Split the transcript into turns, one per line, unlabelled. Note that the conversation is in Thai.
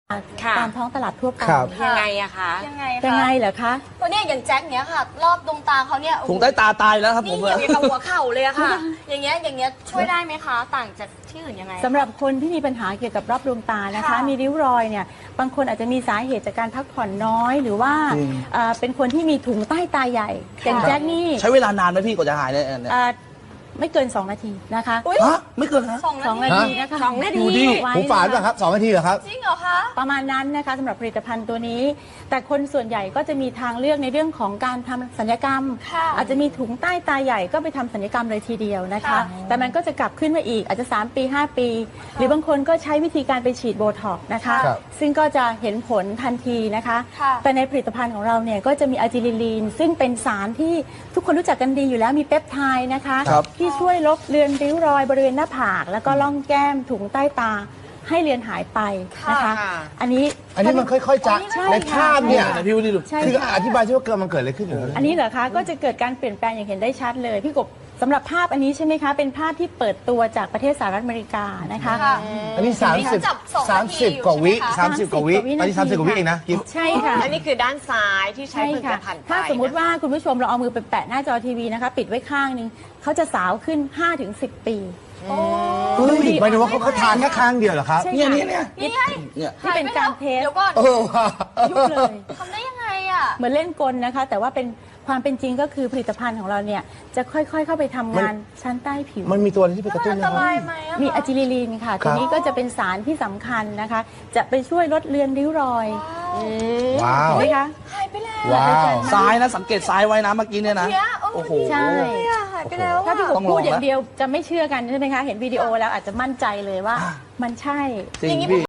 ตามท้องตลาดทั่วไป
ยังไงอะคะ
ยังไงเหรอคะ
ตัวเนี้ยอย่างแจ็คเนี้ยค่ะ รอบดวงตาเขาเนี่ย
ถุงใต้ตาตายแล้วครับผ
นี่
ม
เหี่ยวอย่างกับหัวเข่าเลยอะค่ะ อย่างเงี้ยช่วยได้ไหมคะ ต่างจากที่อื่นยังไง
สำหรับคนที่มีปัญหาเกี่ยวกับรอบดวงตานะคะ มีริ้วรอยเนี่ยบางคนอาจจะมีสาเหตุจากการพักผ่อนน้อย หรือว่าเป็นคนที่มีถุงใต้ตาใหญ่อย่างแจ็คนี่
ใช้เวลานานไหมพี่กว่าจะหายเนี่ย
ไม่เกิน 2 นาทีนะคะ
ฮะไม่เกินนะ
2 นาทีนะคะ
2 นาที
ดูดิ
ไว้
หูฝาดป่ะครับ2 นาทีเหรอครับ
จริงเหรอคะ
ประมาณนั้นนะคะสำหรับผลิตภัณฑ์ตัวนี้ แต่คนส่วนใหญ่ก็จะมีทางเลือกในเรื่องของการทำศัลยกรรม
ค่ะ
อาจจะมีถุงใต้ตาใหญ่ก็ไปทำศัลยกรรมเลยทีเดียวนะคะ
ค่ะ
แต่มันก็จะกลับขึ้นมาอีกอาจจะ3 ปี 5 ปี หรือบางคนก็ใช้วิธีการไปฉีดโบท็อกซ์นะคะ
ครับ
ซึ่งก็จะเห็นผลทันทีนะคะ
ค่ะ
แต่ในผลิตภัณฑ์ของเราเนี่ยก็จะมีอะจิลิลีนซึ่งเป็นสารที่ทุกคนรู้จักกันดีอยู่แล้วมีเปปไทด์นะคะ
ครับ
ที่ช่วยลบเลือนริ้วรอยบริเวณหน้าผาก แล้วก็ล่องแก้มถุงใต้ตาให้เลือนหายไปนะคะ
ค่ะ
อันนี้
อันนี้มันค่อยๆจะ
ใช่
ในภาพเนี่ย
ไหนพี่ดูดิ
ใช่
คือ
ค่ะ
อธิบายที่ว่ามันเกิดอะไรขึ้นเหรอ
อันนี้เหรอคะก็จะเกิดการเปลี่ยนแปลงอย่างเห็นได้ชัดเลยพี่กบสำหรับภาพอันนี้ใช่ไหมคะเป็นภาพที่เปิดตัวจากประเทศสหรัฐอเมริกานะคะ
ค่ะ
อันนี้
จับสองนาที
30 กว่าวิ
อยู่ใช่ไหมคะ
30 กว่าวิอันนี้30 กว่าวิเองนะกิ๊บ
ใช่ค่ะ
อันนี้คือด้านซ้ายที่ใช้
ใช่
ผลิต
ค่ะ
ภัณฑ์ไป
ถ้าสมมุติว่าคุณผู้ชมเราเอามือไปแปะหน้าจอทีวีนะคะปิดไว้ข้างนึงเขาจะสาวขึ้น 5-10 ปี
เฮ้ยหมายถึงว่าเขาทานแค่ครั้งเดียวเหรอครับ
ใช่
เนี่ย
ค่ะ
เนี่ยเนี่ย
นี่ไง
เนี่ย
นี่เป็นการเทส
เดี๋ยวก่อน
ว่ะ
ยุบเลย
ทำได้ยังไงอ่ะ
เหมือนเล่นกลนะคะ แต่ว่าเป็นความเป็นจริงก็คือผลิตภัณฑ์ของเราเนี่ยจะค่อยๆเข้าไปทำงานชั้นใต้ผิว
มันมีตัวอะไรที่ไปกระตุ้น
อัน
นะ
ต
ครับ
รายไหมอะคะ
มีอะจิลิลีนค่ะ ตัวนี้ก็จะเป็นสารที่สำคัญนะคะ จะไปช่วยลดเลือนริ้วรอย
ว้าว
เห็นไหมคะ
หายไปแล้ว
ว้าว
ซ้ายนะสังเกตซ้ายไว้นะเมื่อกี้เนี่ยนะ
เนี่ย
โอ้โห
ใช่
หายไปแล้ว
ถ้าพี่ก
อะ
บ
ต้องลอง
พูดอย่าง
นะ
เดียวจะไม่เชื่อกันใช่ไหมคะ เห็นวิดีโอแล้วอาจจะมั่นใจเลยว่ามันใช่
จริงพี่